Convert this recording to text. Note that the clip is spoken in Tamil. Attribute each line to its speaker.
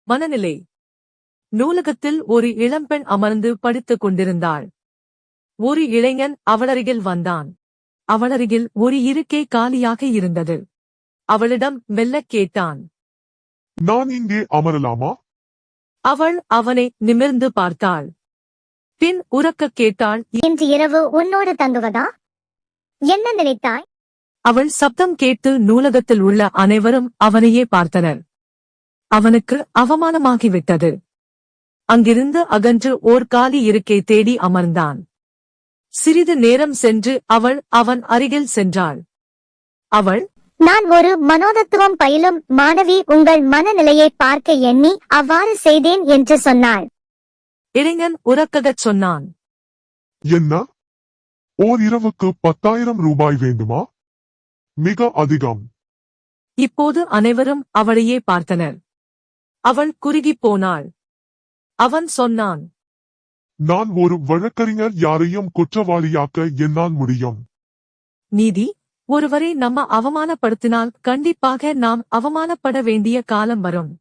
Speaker 1: மனநிலை. நூலகத்தில் ஒரு இளம்பெண் அமர்ந்து படித்துக் கொண்டிருந்தாள். ஒரு இளைஞன் அவளருகில் வந்தான். அவளருகில் ஒரு இருக்கை காலியாக இருந்தது. அவளிடம் மெல்லக் கேட்டான்.
Speaker 2: நான் இங்கே அமரலாமா?
Speaker 1: அவள் அவனை நிமிர்ந்து பார்த்தாள். பின் உரக்கக் கேட்டாள்.
Speaker 3: இன்று இரவு உன்னோடு தங்குவதா? என்ன நினைத்தாய்?
Speaker 1: அவள் சப்தம் கேட்டு நூலகத்தில் உள்ள அனைவரும் அவனையே பார்த்தனர். அவனுக்கு அவமானமாகிவிட்டது. அங்கிருந்து அகன்று ஓர் காலி இருக்கை தேடி அமர்ந்தான். சிறிது நேரம் சென்று அவள் அவன் அருகில் சென்றாள். அவள்,
Speaker 3: நான் ஒரு மனோதத்துவம் பயிலும் மாணவி, உங்கள் மனநிலையை பார்க்க எண்ணி அவ்வாறு செய்தேன் என்று சொன்னாள்.
Speaker 1: இளைஞன் உரக்ககச் சொன்னான்.
Speaker 2: என்ன? ஓர் இரவுக்கு 10,000 ரூபாய் வேண்டுமா? மிக அதிகம்.
Speaker 1: இப்போது அனைவரும் அவளையே பார்த்தனர். அவள் குறுகிப் போனாள். அவன் சொன்னான்.
Speaker 2: நான் ஒரு வழக்கறிஞர், யாரையும் குற்றவாளியாக்க என்னால் முடியும்.
Speaker 1: நீதி. ஒருவரை நம்ம அவமானப்படுத்தினால் கண்டிப்பாக நாம் அவமானப்பட வேண்டிய காலம் வரும்.